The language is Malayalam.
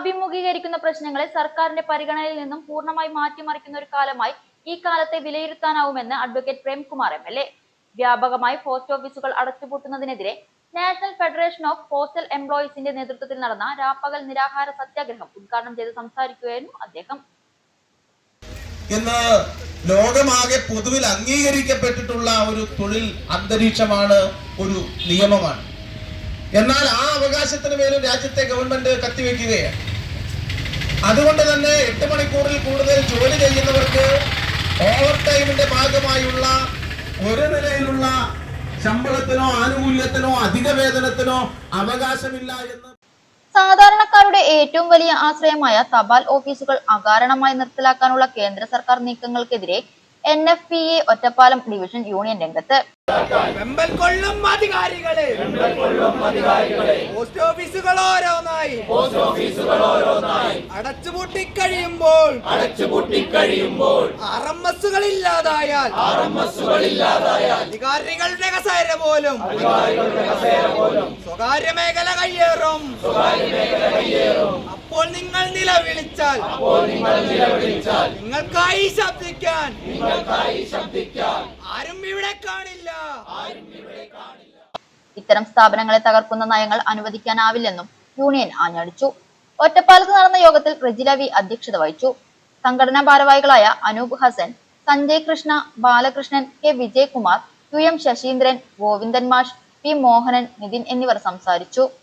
അഭിമുഖീകരിക്കുന്ന പ്രശ്നങ്ങളെ സർക്കാരിന്റെ പരിഗണനയിൽ നിന്നും പൂർണ്ണമായി മാറ്റിമറിക്കുന്ന ഒരു കാലമായി ഈ കാലത്തെ വിലയിരുത്താനാവുമെന്ന് അഡ്വക്കേറ്റ് പ്രേംകുമാർ MLA. വ്യാപകമായി പോസ്റ്റ് ഓഫീസുകൾ അടച്ചുപൂട്ടുന്നതിനെതിരെ നാഷണൽ ഫെഡറേഷൻ ഓഫ് പോസ്റ്റൽ എംപ്ലോയീസിന്റെ നേതൃത്വത്തിൽ നടന്ന രാപ്പകൽ നിരാഹാര സത്യാഗ്രഹം ഉദ്ഘാടനം ചെയ്ത് സംസാരിക്കുകയായിരുന്നു അദ്ദേഹം. ഇന്ന് ലോകമാകെ പൊതുവിൽ അംഗീകരിക്കപ്പെട്ടിട്ടുള്ള ഒരു തൊഴിൽ അന്തരീക്ഷമാണ്, ഒരു നിയമമാണ്. എന്നാൽ ആ അവകാശത്തിന് മേലും രാജ്യത്തെ ഗവൺമെന്റ് കത്തിവെക്കുകയാണ്. അതുകൊണ്ട് തന്നെ 8 മണിക്കൂറിൽ കൂടുതൽ ജോലി ചെയ്യുന്നവർക്ക് ഓവർ ടൈമിന്റെ ഭാഗമായുള്ള ഒരു നിലയിലുള്ള ശമ്പളത്തിനോ ആനുകൂല്യത്തിനോ അധിക വേതനത്തിനോ അവകാശമില്ല എന്ന് സാധാരണക്കാരുടെ ഏറ്റവും വലിയ ആശ്രയമായ തപാൽ ഓഫീസുകൾ അകാരണമായി നിർത്തലാക്കാനുള്ള കേന്ദ്ര സർക്കാർ നീക്കങ്ങൾക്കെതിരെ NFPA ഒറ്റപ്പാലം ഡിവിഷൻ യൂണിയൻ രംഗത്ത്. പോസ്റ്റ് ഓഫീസുകൾ ഓരോന്നായി അടച്ചുപൂട്ടിക്കഴിയുമ്പോൾ RMSകൾ ഇല്ലാതായാൽ അധികാരികളുടെ കസേര പോലും സ്വകാര്യ മേഖല കയ്യേറും. അപ്പോൾ നിങ്ങൾ നിലവിളിച്ചാൽ നിങ്ങൾക്കായി ശബ്ദിക്കാൻ ആരും ഇവിടെ കാണില്ല. ഇത്തരം സ്ഥാപനങ്ങളെ തകർക്കുന്ന നയങ്ങൾ അനുവദിക്കാനാവില്ലെന്നും യൂണിയൻ ആഞ്ഞടിച്ചു. ഒറ്റപ്പാലത്ത് നടന്ന യോഗത്തിൽ റെജില V അധ്യക്ഷത വഹിച്ചു. സംഘടനാ ഭാരവാഹികളായ അനൂപ് ഹസൻ, സഞ്ജയ് കൃഷ്ണ, ബാലകൃഷ്ണൻ, K വിജയകുമാർ, UM ശശീന്ദ്രൻ, ഗോവിന്ദൻ മാഷ്, P മോഹനൻ, നിതിൻ എന്നിവർ സംസാരിച്ചു.